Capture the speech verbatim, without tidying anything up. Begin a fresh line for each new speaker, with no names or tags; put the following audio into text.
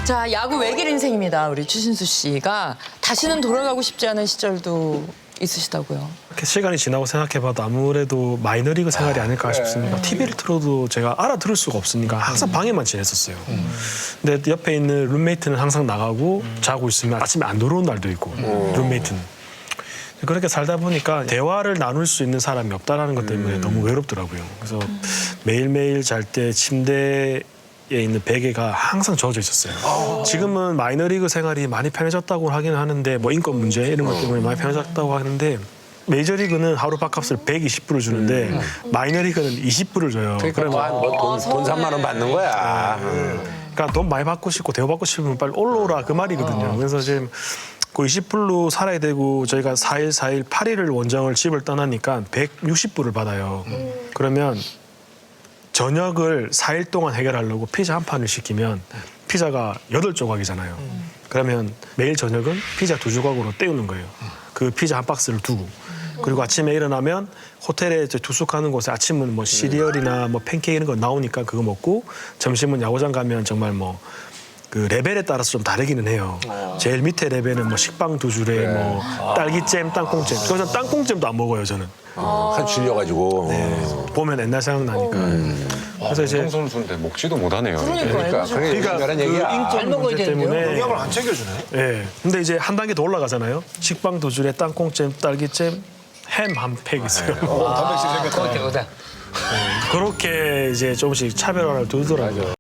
자, 야구 외길 인생입니다. 우리 추신수 씨가 다시는 돌아가고 싶지 않은 시절도 있으시다고요.
이렇게 시간이 지나고 생각해봐도 아무래도 마이너리그 생활이 아닐까 싶습니다. 티비를 틀어도 제가 알아들을 수가 없으니까 항상 방에만 지냈었어요. 근데 옆에 있는 룸메이트는 항상 나가고 자고 있으면 아침에 안 들어온 날도 있고, 룸메이트는. 그렇게 살다 보니까 대화를 나눌 수 있는 사람이 없다는 것 때문에 너무 외롭더라고요. 그래서 매일매일 잘 때 침대에 있는 베개가 항상 젖어 있었어요. 지금은 마이너리그 생활이 많이 편해졌다고 하긴 하는데 뭐 인권 문제 이런 것 때문에 많이 편해졌다고 하는데 메이저리그는 하루 밥값을 백이십 불을 주는데 음. 마이너리그는 이십 불을 줘요.
그러니까 뭐 돈, 돈 삼만 원 받는 거야. 음.
그러니까 돈 많이 받고 싶고 대우받고 싶으면 빨리 올라오라 그 말이거든요. 그래서 지금 그 이십 불로 살아야 되고 저희가 사 일, 사 일, 팔 일을 원정을 집을 떠나니까 백육십 불을 받아요. 음. 그러면 저녁을 사 일 동안 해결하려고 피자 한 판을 시키면 피자가 여덟 조각이잖아요. 음. 그러면 매일 저녁은 피자 두 조각으로 때우는 거예요. 그 피자 한 박스를 두고. 그리고 아침에 일어나면 호텔에 투숙하는 곳에 아침은 뭐 시리얼이나 뭐 팬케이크 이런 거 나오니까 그거 먹고 점심은 야구장 가면 정말 뭐 그 레벨에 따라서 좀 다르기는 해요. 제일 밑에 레벨은 뭐 식빵 두 줄에 뭐 딸기잼, 땅콩잼. 저는 땅콩잼도 안 먹어요, 저는.
한 질려가지고.
네. 보면 옛날 생각나니까. 음.
그래서 이제 선수인데 먹지도 못하네요.
그러니까 그게 중요한
그
얘기야.
인권 문제 때문에
영양을 안 챙겨주네.
예. 근데 이제 한 단계 더 올라가잖아요. 식빵 두 줄에 땅콩잼, 딸기잼, 햄 한 팩 있어요.
어, 단백질 생겼다.
그렇게 이제 조금씩 차별화를 두더라고요.